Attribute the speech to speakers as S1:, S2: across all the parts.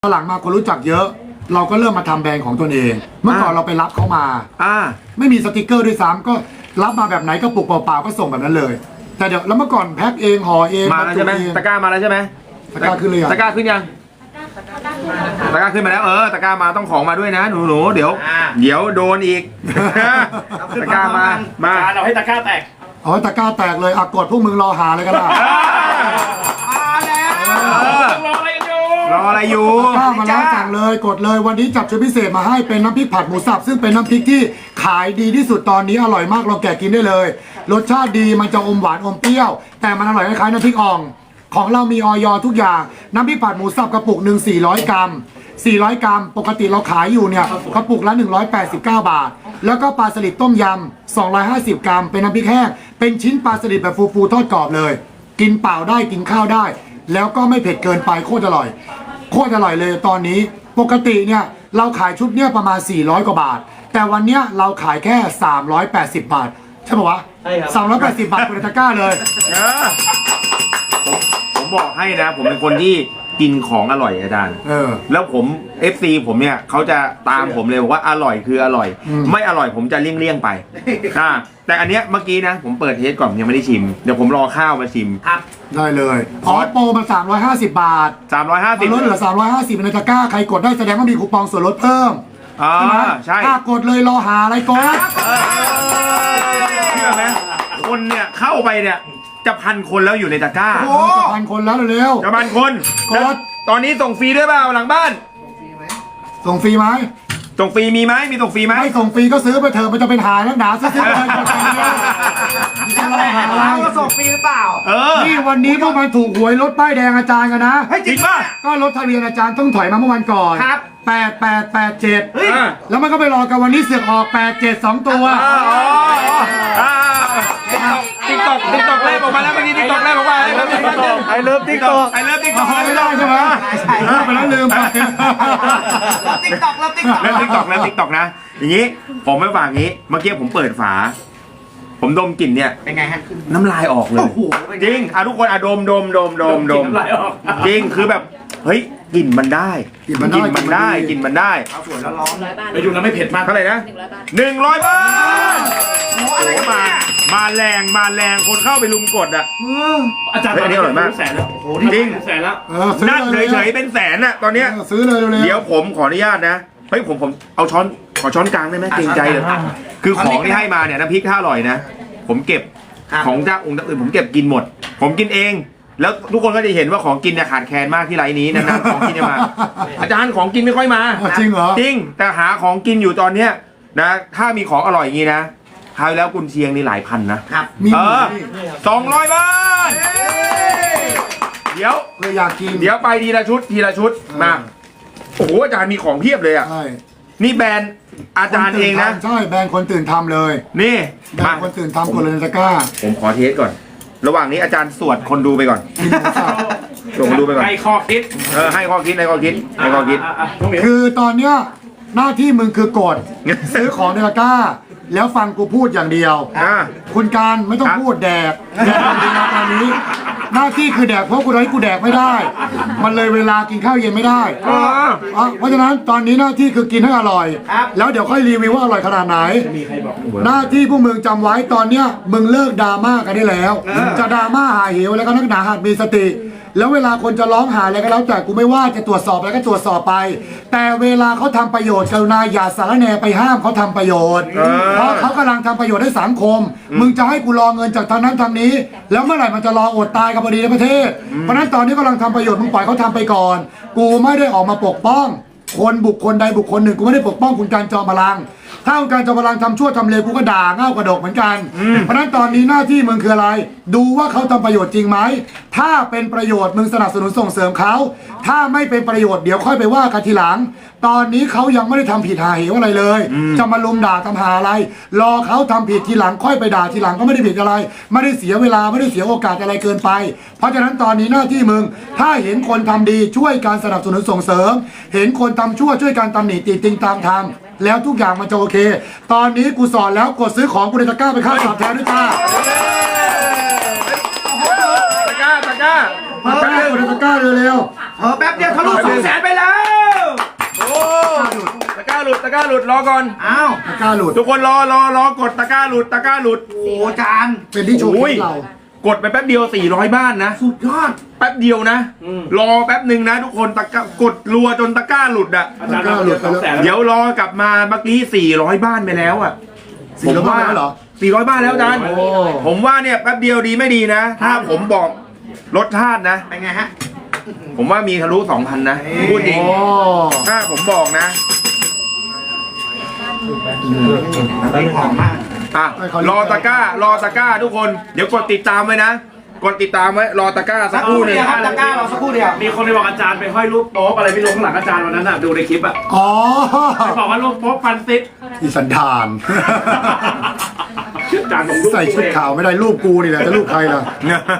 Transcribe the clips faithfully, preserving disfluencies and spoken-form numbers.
S1: หลังมาคนรู้จักเยอะ เราก็เริ่มมาทำแบรนด์ของตัวเอง เมื่อก่อนเราไปรับเขามาอ่าไม่มีสติกเกอร์ด้วยซ้ำก็รับมาแบบไหนก็ปลุกเปล่าๆก็ส่งแบบนั้นเลยแต่เดี๋ยวแล้วเมื่อก่อนแพ็คเองห่อเอง
S2: มาแล้วใช่ไหมตะกร้ามาแล้วใช่ไหม
S1: ตะกร้าขึ้นเลย
S2: ตะกร้าขึ้นยังตะกร้าขึ้นมาแล้วเออตะกร้ามาต้องของมาด้วยนะหนูหนูเดี๋ยวเดี๋ยวโดนอีกตะกร้ามามา
S3: เราให้ตะกร้าแตก
S1: เอาตะกร้าแตกเลยอ่ะกดพวกมึงรอหาเลยกันล่ะ
S3: รออะไรอยู่
S2: รออะไรอยู่
S1: ข้ามาแล้วสั่งเลยกดเลยวันนี้จับชุดพิเศษมาให้เป็นน้ำพริกผัดหมูสับซึ่งเป็นน้ำพริกที่ขายดีที่สุดตอนนี้อร่อยมากเราแกะกินได้เลยรสชาติดีมันจะอมหวานอมเปรี้ยวแต่มันอร่อยคล้ายๆน้ำพริกอ่องของเรามีออยทุกอย่างน้ำพริกผัดหมูสับกระปุกหนึ่งสี่ร้อยกรัมสี่ร้อยกรัมปกติเราขายอยู่เนี่ยกระปุกละหนึ่งร้อยแปดสิบเก้าบาทแล้วก็ปลาสลิดต้มยำสองร้อยห้าสิบกรัมเป็นน้ำพริกแห้งเป็นชิ้นปลาสลิดแบบฟูๆทอดกรอบเลยกินเปล่าได้กินข้าวได้แล้วก็ไม่เผ็ดเกินไปโคตรอร่อยโคตรอร่อยเลยตอนนี้ปกติเนี่ยเราขายชุดเนี่ยประมาณสี่ร้อยกว่าบาทแต่วันเนี้ยเราขายแค่สามร้อยแปดสิบบาทใช่ป่าวะใช่ครับสามร้อยแปดสิบบาทคุณตะกร้าเลย
S2: ผมผมบอกให้นะผมเป็นคนที่กินของอร่อยอาจารย์เออแล้วผม เอฟ ซี ผมเนี่ยเขาจะตามผมเลยบอกว่าอร่อยคืออร่อยไม่อร่อยผมจะเลี่ยงเลี่ยงไปอ่าแต่อันเนี้ยเมื่อกี้นะผมเปิดเทสก่อนยังไม่ได้ชิมเดี๋ยวผมรอข้าวมาชิม
S3: ครับ
S1: ได้เลยขอโปรมาสามร้อยห้าสิบบาท
S2: สามร้อยห้าสิบ
S1: ลดเหลือสามร้อยห้าสิบในตะกร้าใครกดได้แสดงว่ามีคูปองส่วนลดเพิ่ม
S2: อ่าใช่
S1: ถ้ากดเลยรอหาอะไรกด
S2: เชื่อไหมคนเนี่ยเข้าไปเนี่ยจะพันคนแล้วอยู่ในตะกร้า
S1: โอ้จะพันคนแล้วเร็ว
S2: จะพันคนกดตอนนี้ส่งฟรีด้วยเปล่าหลังบ้าน
S1: ส่งฟรีไหม
S2: ส่งฟรีมีไหมมีส่งฟรีไหม
S1: ไม่ส่งฟรีก็ซื้อไปเถอะมันจะเป็นหาแล้วหนาซื้อไปเลย
S3: เราส่งฟรีหรือเปล่า
S1: เออนี่วันนี้พวกมันถูกหวยรถป้ายแดงอาจารย์กันนะ
S2: จริงป่ะ
S1: ก็รถทะเบียนอาจารย์ต้องถอยมาเมื่อวันก่อน
S3: ครับ
S1: แปดแปดแปดเจ็ดแล้วมันก็ไปรอกันวันนี้เสือกออกแปดเจ็ดสองตัว
S2: ติ๊กตอกติ๊กตอกแรกออกมาแล้วเมื่อกี้ติ๊กตอกแรกออกมา
S1: ไอเลิฟติ๊กตอก
S2: ไอเลิฟติ๊กตอก
S1: ไม่ได้ใช่ไหมลืมไปแล้วลืมไป
S3: ติ๊กตอกแล้วติ๊กตอก
S2: แล้วติ๊กตอกแล้วติ๊กตอกนะอย่างนี้ผมไม่ฝากงี้เมื่อกี้ผมเปิดฝาผมดมกลิ่นเนี่ย
S3: เป็นไงฮะ
S2: น้ำลายออกเลยจริงอ่ะทุกคนอ่ะดมดมดมดมดมจริงคือแบบเฮ้ยกลิ่นมันได้
S1: กลิ่นมัน
S2: ได้กลิ่นมันได้
S3: เอาส่วนแล้วร้อนไปดูแล้วไม่เผ็ดมาก
S2: เท่าไหร่นะหนึ่งร้อยบาทโอ้มามาแรงมาแรงคนเข้าไปลุมกดอ่ะ
S3: อาจารย์
S2: อันนี้อร่อยมาก
S3: แสนแล้วโอ้โหจริงแสนแล้ว
S2: นั่งเฉยๆเป็นแสนอ่ะตอนเนี้ย
S1: ซื้อเลย
S2: เดี๋ยวผมขออนุญาตนะเฮ้ยผมผมเอาช้อนขอช้อนกลางได้ไหมเกรงใจเลยคือของที่ให้มาเนี่ยน้ำพริกถ้าอร่อยนะผมเก็บของเจ้าองค์อื่นผมเก็บกินหมดผมกินเองแล้วทุกคนก็จะเห็นว่าของกินเนี่ยขาดแคลนมากที่ไรนี้นานๆของกินจะมาอาจารย์ของกินไม่ค่อยมา
S1: จริงเหรอ
S2: จริงแต่หาของกินอยู่ตอนเนี้ยนะถ้ามีของอร่อยอย่างนี้นะคราวแล้วกุนเชียงนี่หลายพันนะครับเออสองร้อยบาทเดี๋ยว
S1: เลยอยากกิน
S2: เดี๋ยวไปทีละชุดทีละชุดมาโอ้โหอาจารย์มีของเพียบเลยอ่ะนี่แบรนด์อาจารย์เองนะ
S1: ใช่แบรนด์คนตื่นทำเลย
S2: นี่
S1: แบรนด์คนตื่นทำกดเลยตะกร้า
S2: ผมขอเทสก่อนระหว่างนี้อาจารย์สวดคนดูไปก่อนส่งคนดูไปก่อน
S3: ให้ข้อคิด
S2: เออให้ข้อคิดให้ข้อคิดให้ข้อคิด
S1: คือตอนเนี้ยหน้าที่มึงคือกดซื้อของในตะกร้าแล้วฟังกูพูดอย่างเดียวคุณการไม่ต้องพูดแดกแดกจริงๆตอนนี้หน้าที่คือแดกเพราะกูให้กูแดกไม่ได้มันเลยเวลากินข้าวเย็นไม่ได้เพราะฉะนั้นตอนนี้หน้าที่คือกินให้อร่อยแล้วเดี๋ยวค่อยรีวิวว่าอร่อยขนาดไหนหน้าที่พวกมึงจำไว้ตอนเนี้ยมึงเลิกดราม่ากันได้แล้วจะดราม่าหาเหวแล้วก็นักหนาหัดมีสติแล้วเวลาคนจะร้องหาอะไรก็แล้วแต่กูไม่ว่าจะตรวจสอบอะไรก็ตรวจสอบไปแต่เวลาเขาทำประโยชน์กรุณาอย่าสารแหน่ไปห้ามเขาทำประโยชน์เพราะเขากำลังทำประโยชน์ให้สังคมมึงจะให้กูรอเงินจากทางนั้นทางนี้แล้วเมื่อไหร่มันจะรออดตายกับพอดีในประเทศเพราะนั้นตอนนี้กำลังทำประโยชน์มึงปล่อยเขาทำไปก่อนกูไม่ได้ออกมาปกป้องคนบุคคลใดบุคคลหนึ่งกูไม่ได้ปกป้องคุณการจอมพลังถ้าคุณการจอมพลังทำชั่วทำเลวกูก็ด่าเง่ากระดกเหมือนกันเพราะนั้นตอนนี้หน้าที่มึงคืออะไรดูว่าเขาทำประโยชน์จริงไหมถ้าเป็นประโยชน์มึงสนับสนุนส่งเสริมเขาถ้าไม่เป็นประโยชน์เดี๋ยวค่อยไปว่ากันทีหลังตอนนี้เขายังไม่ได้ทำผิดหาเหวอะไรเลยจะมาลุมด่าทำหาอะไรรอเขาทำผิดทีหลังค่อยไปด่าทีหลังก็ไม่ได้ผิดอะไรไม่ได้เสียเวลาไม่ได้เสียโอกาสอะไรเกินไปเพราะฉะนั้นตอนนี้หน้าที่มึงถ้าเห็นคนทำดีช่วยการสนับสนุนส่งเสริมเห็นคนทำชั่วช่วยการตำหนิติติงตามทางแล้วทุกอย่างมันจะโอเคตอนนี้กูสอนแล้วกดซื้อของกูในตะกร้าไปค่าตอบแทนด้วยจ้า
S2: ตะกร้าตะกร้า
S1: ตะกร้ากดในตะกร้าเร็ว
S3: ๆเออแป๊บเดียวทะลุสองแสนไปแล้ว
S2: ร้าหลุดรอก่อน
S3: อ้าว
S1: ตะกร้าหลุด
S2: ทุกคนรอรอรอกดตะกร้าหลุดตะกร้าหลุด
S3: โอ้จาน
S1: เป็นที่โชว์คลิปเรา
S2: กดไปแป๊บเดียวสี่ร้อยบ้านนะ
S3: สุดยอด
S2: แป๊บเดียวนะ รอแป๊บหนึ่งนะ ทุกคนตะกร้ากดรัวจนตะกร้าหลุดอ่ะ
S3: อาจารย์เราเหลือสองแสน
S2: เดี๋ยวรอกลับมาเมื่อกี้สี่ร้อยบ้านไปแล้วอ่ะ
S1: สี่ร้อยบ้านแล้วเหรอ
S2: สี่ร้อยบ้านแล้วอาจารย์
S1: โอ้
S2: ผมว่าเนี่ยแป๊บเดียวดีไม่ดีนะ ถ้าผมบอกรสชาตินะ
S3: เป็นไงฮะ
S2: ผมว่ามีทะลุสองพันนะพูดจริง
S1: โอ้
S2: ถ้าผมบอกนะ
S3: หอมมาก
S2: อ่ะรอตะกร้ารอตะกร้าทุกคน เดี๋ยวกดติดตามไว้นะ กดติดตามไว้รอตะกร้าสักครู่หนึ่ง
S3: ครับตะกร้าเราสักครู่เดียวมีคนไปบอกอาจารย์ไปห้อยรูปโป๊ะอะไรไม่รู้ข้างหลังอาจารย์วันนั้นน่ะดูในคลิปอ่ะ
S1: อ๋อ
S3: ไปบอกว่ารูปโป๊ะฟันซิด
S1: อีสันดาน
S3: อาจารย์ผมรูป
S1: ใส่ชุดขาวไม่ได้รูปกูนี่แหละจะรูปใครล่ะ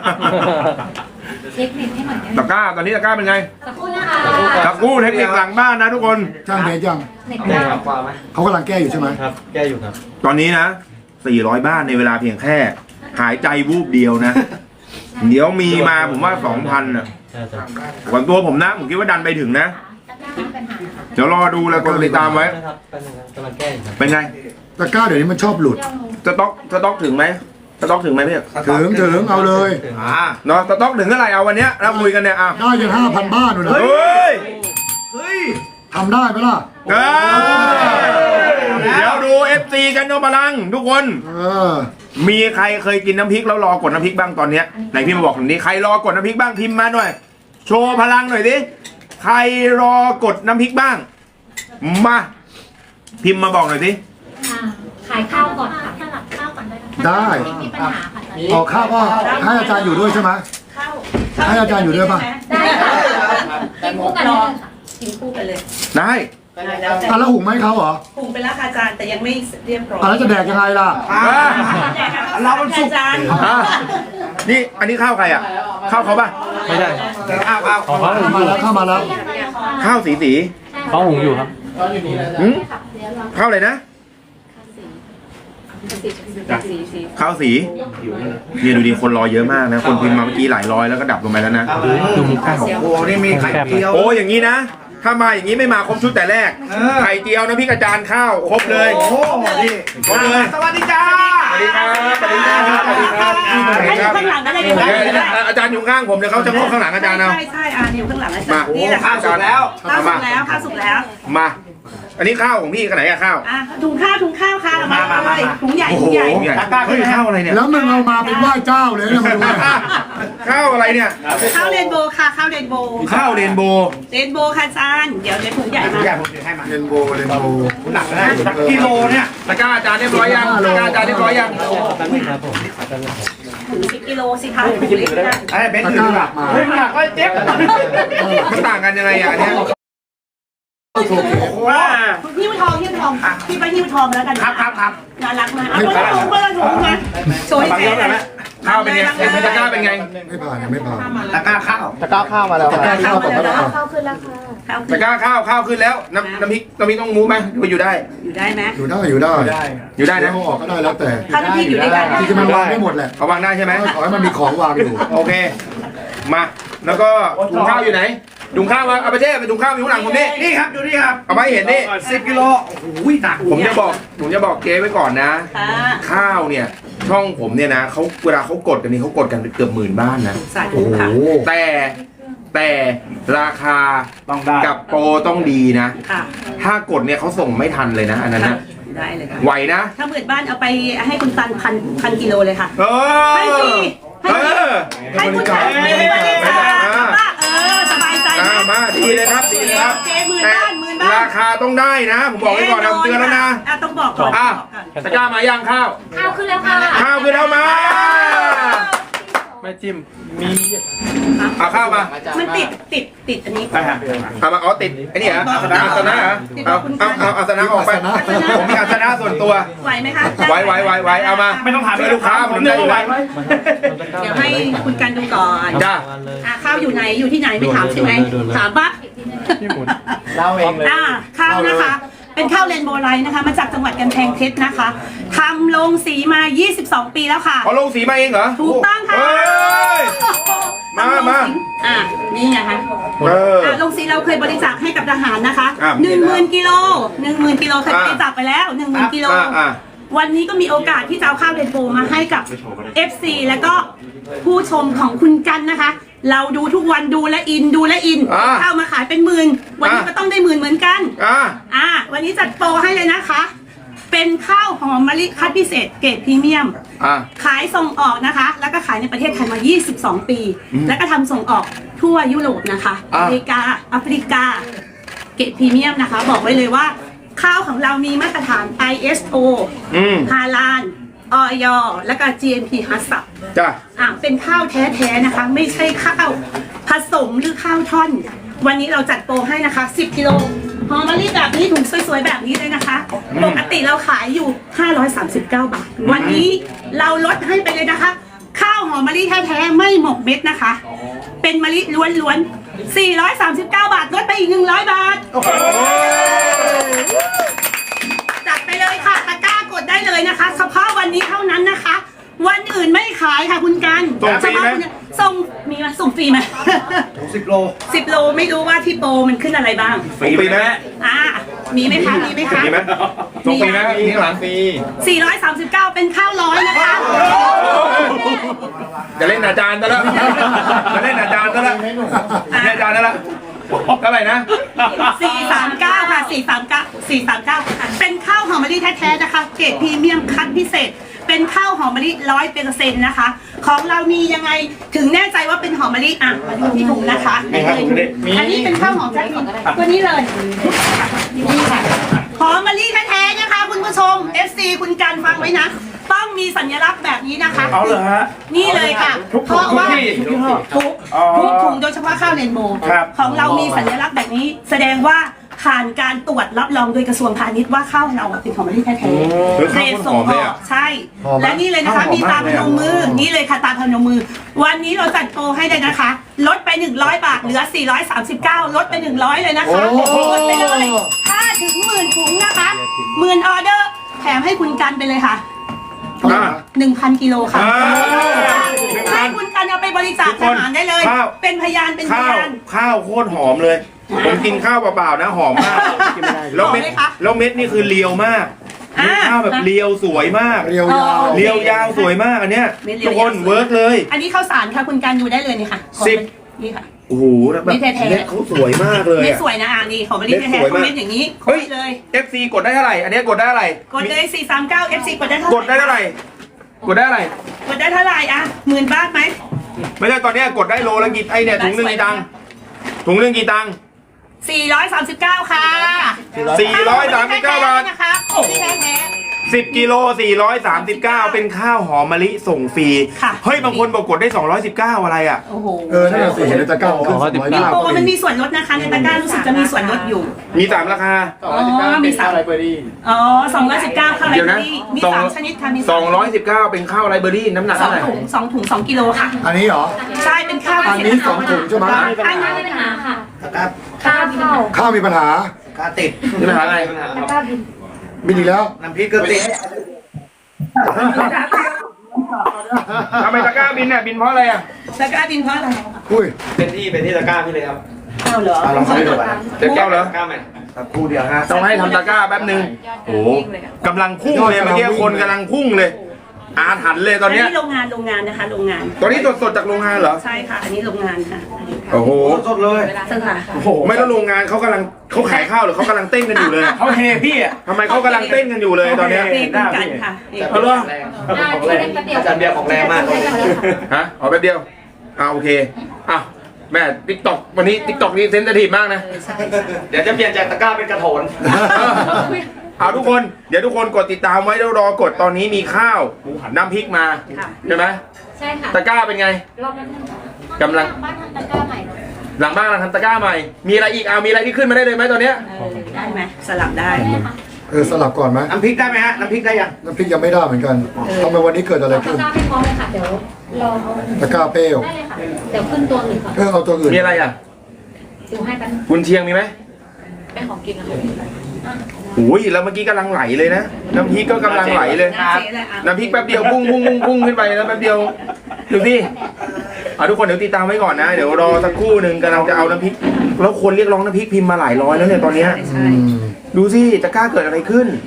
S4: เช็คเน็ตให้หน่อยได้ไหม
S2: ตะกร้าตอนนี้ตะกร้าเป็นไง
S4: สักครู่นะคะ
S2: ตะกร้าเทคนิคหลังบ้านนะทุกคน
S1: จ้างเบสยัง
S4: เน็ต
S5: ได้
S4: ได้
S5: ครับกว่าไหม
S1: เขากำลังแก้อยู่ใช่ไหม
S5: ครับ แก้อยู่ครับ
S2: ตอนนี้นะสี่ร้อยบ้านในเวลาเพียงแค่ หายใจวูบเดียวนะ เดี๋ยวมีมาผมว่าสองพันอ่ะ
S5: ใช่ครับ
S2: ก่อนตัวผมนะ ผมคิดว่าดันไปถึงนะ เดี๋ยวรอดูแล้วกดติดตามไว้
S5: นะครับเป็นยังไงกำลังแก้อยู่ครับ
S2: เป็นไง
S1: ตะกร้าเดี๋ยวนี้มันชอบหลุด
S2: สต็อกสต็อกถึงไหมสต็อกถึงไหมพี่
S1: ถึงถึงเอาเลย
S2: อ่าเนาะสต็อกถึงเท่าไหร่เอาวันเนี้ยเราคุยกันเนี่ยอ่ะ
S1: ได้ยังห้าพันบ้านอยู่นะ
S2: เฮ้ย
S3: เฮ้ย
S1: ทำได้ไหมล่ะ
S2: เอ้ยเดี๋ยวดู เอฟ ซี กันโนพลังทุกคน
S1: เออ
S2: มีใครเคยกินน้ำพริกแล้วรอกดน้ำพริกบ้างตอนเนี้ยไหนพี่มาบอกหน่อยดิใครรอกดน้ำพริกบ้างพิมพ์มาหน่อย โชว์พลังหน่อยดิใครรอกดน้ำพริกบ้าง มาพิมพ์มาบอกหน่อยดิ
S4: อ่าขายข้าวก่อนค่ะสลับข้าวก่อนได้ไหม
S1: ได้
S4: ไม่มีปัญหาค่ะตอนนี้
S1: ออกข้าวก็ให้อาจารย์อยู่ด้วยใช่ไหมให้อาจารย์อยู่ด้วยป่ะ
S4: ได้ค่ะกินคู่กันเลยค่ะ
S6: กินคู่ไปเลย
S2: ได้
S6: แล้วแต่
S1: อ่ะแล้วหุงไหมเขาเหรอ
S6: ปรุงไปแล้วค่ะอาจารย์แต่ยังไม่เรียบร้อย
S1: อ่ะแล้วจะแดกยังไงล่ะ
S2: อ่า
S6: เรามันสุกอาจารย์
S2: อ่ะนี่อันนี้ข้าวใครอ่ะข้าวเขาป่ะ
S5: ไม่ได้
S3: อ้าวอ้าว
S5: ของเขา
S1: เข้ามาแล้วเข้ามาแล้ว
S2: ข้าวสีสี
S5: เขาหุงอยู่ครับ
S2: หืมข้าวอะไรนะ
S6: สีสี
S2: ข้าวสีเนี่ยดูดิคนรอเยอะมากนะ คนพิมพ์มาเมื่อกี้หลายร้อยแล้วก็ดับลงไปแล้วนะ
S5: ดูมุกข้าว
S3: โอ้โหนี่มีไข่เจียว
S2: โอ้อย่างนี้นะ ถ้ามาอย่างนี้ไม่มาครบชุดแต่แรก
S3: เออ
S2: ไข่เจียวนะพี่กระจานข้าวครบเลย
S3: โอ้โหนี่
S2: ครบเลย
S3: สวัสดีจ้า
S2: สวัสดีครับสวัสดีครับสวัสดีครับสวัสดีครับ
S6: ข้างหลังก็ได้ดี
S2: เดี๋ยวอาจารย์อยู่ข้างผมเดี๋ยวเขาจะเข้าข้างหลังอาจารย์เอา
S6: ใช่ใช่อ่านี่อยู่ข้างหลังอาจารย์
S2: มา
S6: นี่แหละ
S3: ข้าวสุกแล้ว
S6: ข้าวสุกแล้วข้าวสุกแล้ว
S2: มา อันนี้ข้าวของพี่ขนาดไหนอะข้าว
S6: อ่ะถุงข้าวถุงข้าวค่ะมา
S3: มามา
S6: เลย
S3: มา
S6: ถุงใหญ่
S2: โอ้
S6: ถุ
S2: โห
S6: งใหญ่
S2: ใหญ่เฮ้ยข้าวอะไรเนี่ย
S1: แล้วมึงเอามาเป็นไหว้เจ้าเลยนะมาดูนะ
S2: ข้าวอะไรเนี่ย
S6: ข้าวเรนโบว์ค่ะข้าวเรนโบว์
S2: ข้าวเรนโบว์
S6: เรนโบว์ค่ะอาจารย์เดี๋ยวเดี๋ยวถุงใหญ่
S3: ทุ
S6: มาก
S3: อย่างผมถือให้มา
S1: เรนโบว์เรนโบว์
S3: หนักนะหนักกิโลเนี่ย
S2: ตะกร้าอาจารย์เรียบร้อยยังตะกร้าอาจารย์เรียบร้อยยัง
S5: แป๊บนึงครับผม
S6: ถุงสิบกิโลสิคะถุงเล็กนะ
S3: ไอ้เบนซ์ถือหนักเฮ้ยหนักไอ้เจ๊บ
S2: มันต่างกันยังไงอ่ะอันเนี้ย
S3: ว้า
S6: หิ้วทองหิ้วทองพี่ไปหิ้วทองแล้วกัน
S3: ครับครับครับ
S6: น่ารักมากเอาไปถุงไปถุงมาโชว์ให้แฟนหน่อย
S2: ข้าวเป็นไงตะกร้าเป็นไง
S1: ไม่ผ่านยังไม่ผ่าน
S3: ตะกร้าข้าว
S1: ตะกร้าข้าวมาแล้วตะกร้าข้าวต่อไปแล้ว
S4: ข้าวขึ้นแล้วค่ะ
S2: ตะกร้าข้าวข้าวขึ้นแล้วน้ำน้ำพริกน้ำพริกต้องมูไหมหรือว่าอยู่ได้
S6: อยู่ได้ไหม
S1: อยู่ได้อยู่ได้
S2: อยู่ได้นะ
S1: เอาออกก็ได้แล้วแต่
S6: ข้าวที่พี่อยู่ด้วยกัน
S1: ที่จะมันวางได้หมดแหละ
S2: เอาวางได้ใช่ไหม
S1: ขอให้มันมีของวางอยู่
S2: โอเค มาแล้วก็ถุงข้าวอยู่ไหนถุงข้าวมาเอาไปเช่ไปถุงข้าวอยู่ข้างหลังผมนี่
S3: นี่ครับดูนี่ครับ
S2: เอาไปเห็นนี่
S3: สิบกิโลโอ้โหหนัก
S2: ผมจะบอกผมจะบอกเจ๊ไว้ก่อนนะ
S6: ค่ะ
S2: ข้าวเนี่ยช่องผมเนี่ยนะเขาเวลาเขากดกันนี่เขากดกันเกือบหมื่นบ้านนะ
S6: สาธุ
S1: โอ้โห
S6: ค่ะ
S2: แต่แต่ราคา
S3: ต้องได้
S2: กับโปรต้องดีนะ
S6: ค่ะ
S2: ถ้ากดเนี่ยเขาส่งไม่ทันเลยนะอันนั้นนะ
S6: ได้เลยค่ะ
S2: ไหวนะ
S6: ถ้าหมื่นบ้านเอาไปให้คุณตันพันพันกิโลเลยค่ะ
S2: เอ
S6: ให้ฟรี
S2: อ
S6: ให้
S2: เอ
S6: ฟรี
S2: อ
S6: ให้คุณตันให้บริจาคว่าเออสบายใจ
S2: อ่า
S6: นะ
S2: มาดีเลยครับดีเลยครับ
S6: เจ๊หมื่น
S2: แต่
S6: บ้านหมื่นบ้าน
S2: ราคาต้องได้นะ ผมบอกไว้ก่อนนะผมเตือนแล้วนะ
S6: อ่ะต้องบอกก่อน
S2: อ่ะ
S6: บอกก่อน
S2: ตะกร้ามาย่างข้าว
S4: ข้าวขึ้นแล้วค่ะ
S2: ข้าวคือเท่ามา
S5: ไม่จิ้ม มี
S2: เอาข้าวมา
S6: มันติดติดติดอันนี้
S3: ไปฮะ
S2: เอามาอ๋อติดไอ้นี่เหรออาสนะอาสนะเหรอเอาเอาเอาอาสนะออกไปผมมีอาสนะส่วนตัว
S6: ไหวไหมคะ
S2: ไว้ไว้ไว้ไว้เอามา
S3: ไม่ต้องถาม
S2: ช่วยลูกค้าผมได้อยู่แล้ว
S6: เดี๋ยวให้คุณกันดูก่อน
S2: จ้า
S5: เลย
S6: อ่ะข้าวอยู่ไหนอยู่ที่ไหนไม่ถามใช่ไหมถามปะ
S5: พี่หมุนเล่าเองเลย
S6: อ่าข้าวนะคะ เป็นข้าวเรนโบว์ไลท์นะคะ มาจากจังหวัดกำแพงเพชรนะคะทำลงสีมา ยี่สิบสอง ปีแล้วค่ะ
S2: เขาลงสีมาเองเหรอ
S6: ถูกต้องค่ะ
S2: เฮ้ย มา
S6: ทำลง
S2: มา
S6: สีอ่ะนี่ไงคะ
S2: เออ
S6: อ่ะลงสีเราเคยบริจาคให้กับทหารนะคะ
S2: อ่ะ
S6: หนึ่งหมื่นกิโลหนึ่งหมื่นกิโลเคยบริจาคไปแล้วหนึ่งหมื่นกิโล
S2: อ่ะอ่ะ
S6: วันนี้ก็มีโอกาสที่จะเอาข้าวเรนโบว์มาให้กับ เอฟ ซี แล้วก็ผู้ชมของคุณกันนะคะ เราดูทุกวันดูและอินดูและอิน
S2: อ่ะ
S6: ข้าวมาขายเป็นหมื่นวันนี้
S2: อ่ะ
S6: ก็ต้องได้หมื่นเหมือนกัน
S2: อ่ะ
S6: อ่ะวันนี้จัดโปรให้เลยนะคะ เป็นข้าวหอมมะลิคัดพิเศษเกรดพรีเมียม
S2: อ่ะ
S6: ขายส่งออกนะคะ แล้วก็ขายในประเทศไทยมา ยี่สิบสอง ปี แล้วก็ทำส่งออกทั่วยุโรปนะคะ
S2: อ่ะ
S6: อเมริกา แอฟริกา เกรดพรีเมียมนะคะ บอกไว้เลยว่า ข้าวของเรามีมาตรฐาน ไอ เอส โอ
S2: อืม
S6: ฮาลาล ออย และก็ จี เอ็ม พี ฮัสซับ
S2: จ้ะ
S6: อ่ะเป็นข้าวแท้ๆนะคะ ไม่ใช่ข้าวผสมหรือข้าวท่อน วันนี้เราจัดโปรให้นะคะ สิบ กิโลหอมมะลิแบบนี้ถุงสวยๆแบบนี้เลยนะคะ ปกติเราขายอยู่ ห้าร้อยสามสิบเก้า บาท วันนี้เราลดให้ไปเลยนะคะ ข้าวหอมมะลิแท้ๆไม่หมกเม็ดนะคะ เป็นมะลิล้วนๆ สี่ร้อยสามสิบเก้า บาท ลดไปอีก หนึ่งร้อย บาท จัดไปเลยค่ะตะกร้ากดได้เลยนะคะ เฉพาะวันนี้เท่านั้นนะคะ วันอื่นไม่ขายค่ะคุณกัน
S2: ส่งฟรีไหม
S6: เฉพาะคุณส่งมีไหมส่งฟรีไหม
S3: สิบโล
S6: สิบโลไม่รู้ว่าที่โปรมันขึ้นอะไรบ้าง
S2: ฟรีไหม
S6: อ่ามีไหมคะมีไหมคะ
S2: มีไหมส่งฟรีไหมมีข้างหลังฟรี
S6: สี่ร้อยสามสิบเก้าเป็นข้าวร้อยนะคะ
S2: จะเล่นอาจารย์ซะแล้วจะเล่นอาจารย์ซะแล้วเล่นอาจารย์ซะแล้วเท่าไหร่นะ
S6: สี่สามเก้าค่ะสี่สามเก้าสี่สามเก้าเป็นข้าวหอมมะลิแท้ๆนะคะเกรดพรีเมียมคัดพิเศษ เป็นข้าวหอมมะลิร้อยเปอร์เซ็นต์นะคะ ของเรามียังไงถึงแน่ใจว่าเป็นหอมมะลิอ่ะมาดูที่ถุงนะคะนี่เลยอันนี้เป็นข้าวหอมแท้ตัวนี้เลยนี่ค่ะหอมมะลิแท้ๆนะคะคุณผู้ชม เอฟ ซี คุณการฟังไว้นะ ต้องมีสัญลักษณ์แบบนี้นะคะ
S3: เอาเลยฮะ
S6: นี่เลยค่ะ
S3: ทุก
S6: เพราะว่า
S3: ทุกที่ทุกยี่ห้อ
S6: ทุก
S3: อ๋อ
S6: ทุกถุงโดยเฉพาะข้าวเรนโบว์
S3: ครับ
S6: ของเรามีสัญลักษณ์แบบนี้ แสดงว่าผ่านการตรวจรับรองโดยกระทรวงพาณิชย์ว่าข้าวเราเป็นหอมมะลิแท้ๆ
S2: เฮ้ย
S6: เกร
S2: ข้าว
S6: ด
S2: มันห
S6: ส่
S2: อง ม
S6: อ
S2: เลย
S6: อก
S2: อ่ะ
S6: ใช่
S1: หอมไหม
S6: และนี่เลยนะคะ
S3: ข้าวหอม
S6: มีตามพ
S3: มากเลย
S6: น
S3: อะ
S6: มมือ นี่เลยค่ะตามพนมมือ วันนี้เราจัดโปรให้เลยนะคะ ลดไปหนึ่งร้อยบาทเหลือสี่ร้อยสามสิบเก้าลดไปหนึ่งร้อยเลยนะคะ
S1: โอ้โห
S6: ลดไปเลยถ้าถึงหมื่นถุงนะคะหมื่นออเดอร์แถมให้คุณกันไปเลยค่ะ
S2: อ่ะ
S6: หนึ่งพันกิโลค่ะ
S2: อ่า
S6: ให้คุณกันเอาไปบริจาคทหารได้เลย
S2: ข้าว
S6: เป็นพยานเป็นพ
S2: ข้าวย
S6: าน
S2: ข้าวโคตรหอมเลย ผมกินข้าวเปล่าๆนะหอมมากแล้วเม็ด
S6: หอมไหมคะ
S2: แล้วเม็ดนี่คือเรียวมาก
S6: อ่า
S2: ข้าวแบบเรียวสวยมาก
S1: เรียวยาว
S2: เรียวยาวสวยมากอันเนี้ย
S6: เม็ดเรียว
S2: ทุกคน
S6: ยาวสวย
S2: เวิร์กเลย
S6: อันนี้ข้าวสารค่ะคุณกันดูได้เลยนี่ค่ะ
S2: สิบ
S6: นี่ค่ะ
S2: โอ้โหแล้วแบบ
S6: เม็ดแท้ๆ
S2: เม็ดเขาสวยมากเลย
S6: เม็ด
S2: อะ
S6: สวยนะอ่ะนี่ของบริษัท
S2: เม็ด
S6: แท้
S2: สวย
S6: ๆ
S2: มาก
S6: เม็ดอย่างนี้
S2: เฮ้ย
S6: เลย
S2: เอฟซีกดได้เท่าไหร่อันเนี้ยกดได้เท่าไหร่
S6: กดเลยสี่สามเก้า เอฟ ซี กดได้เท่าไหร่
S2: กดได้เท่าไหร่กดได้เท่าไหร่
S6: กดได้เท่าไหร่อ่ะหมื่นบาทไหม
S2: ไม่ใช่ตอนเนี้ยกดได้โลละกี่ไอเนี่ยถุงหนึ่งกี่ตังค์ถุงหนึ่งกี่ตังค์
S6: สี่ร้อยสามสิบเก้าค่ะ
S2: สี่ร้อยสามสิบเก้าบาท
S6: นะคะของที่แท้
S2: สิบกิโลสี่ร้อยสามสิบเก้าเป็นข้าวหอมมะลิส่งฟรี
S6: ค่ะ
S2: เฮ้ยบางคนบอกกดได้สองร้อยสิบเก้าอะไรอ่ะ
S6: ๆโอ้โห
S1: เออนั่นแหละสิเห็นในตะกร้าขึ้นสองร้อย
S6: มี
S1: เก้า
S6: โปรมันมีส่วนลดนะคะในตะกร้ารู้สึกจะมีส่วนลดอยู่
S2: มีสามราคา
S6: อ๋อมีสามอ๋อสองร้อยสิบเก้าข้าวไร
S2: เดี๋ยว
S6: เบอ
S2: นะ
S6: รี่มี
S2: สอง
S6: สามชนิดค่ะมี
S2: สองร้อยสิบเก้าเป็นข้าวไรเบอรี่น้ำหนัก
S6: สอ
S2: เท่าง ไหร่
S6: ถุงสองถุงสองกิโลค่ะ
S1: อันนี้เหรอ
S6: ใช่เป็นข้าว
S1: อันนี้สองถุงใช่ไหม
S6: อันนี้
S4: ไม่มีปัญหาค่ะ
S3: ครับ
S4: ข้าวเข้า
S1: ข้าวมีปัญหา
S3: กาติด
S2: มีปัญหาอะไร
S4: ตะกร้าบิน
S1: บินอีกแล้ว
S3: น้ำพริกก็ติด
S2: ทำไมตะกร้าบินเนี่ยบินเพราะอะไรอ่ะ
S6: ตะกร้าบินเพราะอะไร
S1: อุ้ย
S5: เป็นที่เป็นที่ตะกร้าพี่เลยครับ
S6: ข้าวเหรอ
S3: เอาลองใช้ดูก่อน
S2: เดี๋ยวแก้วเหรอ
S5: ตะกร้าใหม่
S3: สักครู่เดียวฮะ
S2: ต้องให้ทำตะกร้าแป๊บนึงโอ้โหกำลังพุ่งเลยเมื่อกี้คนกำลังพุ่งเลย อาถรรพ์เลยตอนเนี้ย
S6: อันนี้โรงงานโรงงานนะคะโรงงาน
S2: ตอนนี้สดๆจากโรงงานเหรอ
S6: ใช่ค่ะ อันนี้โรงงานค่ะ
S2: โอ้โห
S3: สดๆเลย
S6: สถาน
S3: โอ้โห
S2: ไม่แล้วโรงงานเขากำลังเขาขายข้าวหรือเขากำลังเต้นกันอยู่เลย
S3: เขาเฮพี่อ่ะ
S2: ทำไมเขากำลังเต้นกันอยู่เลยตอนเนี้ย
S6: นี่คุณกันค่ะนี่
S2: เอาเหรอ
S4: อ่าที่เล่นแป๊บเดียว
S5: อาจารย์เบียร์ของแรงมาก
S2: ฮะเอาแป๊บเดียวอ่าโอเคอ่ะแม่ติ๊กต็อกวันนี้ติ๊กต็อกนี่เซนซิทีฟมากนะ
S5: เดี๋ยวจะเปลี่ยนจากตะกร้าเป็นกระโถน
S2: เอาทุกคนเดี๋ยวทุกคนกดติดตามไว้แล้วรอกดตอนนี้มีข้าวน้ำพริกมาใช่ไหม
S4: ใช่ค่ะ
S2: ตะกร้าเป็นไง
S4: รอบนั้น
S2: กำลัง
S4: บ้านทำตะกร้าใหม่
S2: หลังบ้านเราทำตะกร้าใหม่ มีอะไรอีกเอามีอะไรที่ขึ้นมาได้เลยไหมตอนเนี้ย
S6: เออได้ไหมสลับได้
S4: ได้ค่ะ
S1: เออสลับก่อนไหม
S3: น้ำพริกได้ไหมฮะ น้ำพริกได้ยัง
S1: น้ำพริกยังไม่ได้เหมือนกันทำไมวันนี้เกิดอะไร
S4: ตะ
S1: ขึ้น
S4: กร้าไม่พร้อมเลยค่ะ เดี๋ยวรอ
S1: ตะกร้าเปรี้ยว
S4: ได้เลยค่ะ เดี๋ยวขึ้นตัวหนึ่งก่อน
S1: เออเอาตัวอื่น
S2: มีอะไรอ่ะ
S4: ดูให้แป๊บนึง
S2: กุนเชียงมีไหม
S4: เป็นของกินนะคะอ่ะ
S2: โอ้ยแล้วเมื่อกี้กำลังไหลเลยนะน้ำพริกก็กำลังไหลเลย
S6: หน้าเจ๊เลยอ่ะ
S2: น้ำพริกแป๊บเดียวพุ่งพุ่งพุ่งพุ่งขึ้นไปแล้วแป๊บเดียวดูสิเอาทุกคนเดี๋ยวติดตามไว้ก่อนนะ เดี๋ยวรอสักครู่หนึ่งกำลังจะเอาน้ำพริก แล้วคนเรียกร้องน้ำพริกพิมพ์มาหลายร้อยแล้วเนี่ยตอนเนี้ย
S6: ใช่
S2: ดูสิตะกร้าเกิดอะไรขึ้น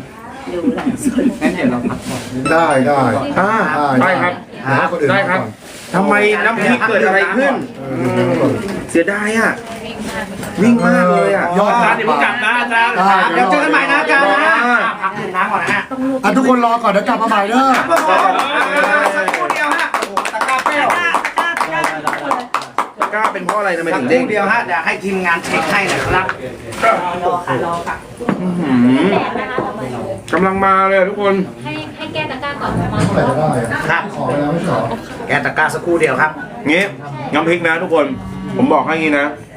S1: ได้ได้
S2: อ่าได้ครับ
S1: หาคนอื่น
S2: ได้ครับ
S1: ก่อน
S2: ทำไมน้ำพริกเกิดอะไรขึ้นอืมเสียดายอ่ะวิ่งมากเลยอ่ะ
S1: ยอด
S3: อาจารย์อย่าเพิ่งกลับนะอาจารย์
S1: ได้
S3: เดี๋ยวเจอกันใหม่นะอาจารย์นะ
S2: อ่า
S3: พักดื่มน้ำก่อนนะฮะ
S1: อ่ะทุกคนรอก่อนเดี๋ยวกลับมาใหม่เด้อ
S3: สักครู่เดียวฮะโอ้โหตะกร้าเปรี้ยว
S2: ตะกร้าเป็นเพราะอะไรทำไม
S3: สัก
S2: ถึง
S3: ค
S2: เด้ง
S3: รู่เดียวฮะเดี๋ยวให้ทีมงานเช็คให้หนะครับ
S6: รอค่ะรอค่ะ
S2: อื้อหือ
S4: แดดนะคะต่อไป
S2: กำลังมาเลยอะทุกคน
S4: ให้ให้แก้ตะกร้าก่อนมา
S1: เท่าไหร่ก็ได้อะ
S3: ครับ
S1: ขอไปแล้วไม่ใช่เหรอ
S3: แกะตะกร้าสักครู่เดียวครับ
S2: งี้น้ำพริกนะทุกคน ผมบอกให้งี้นะ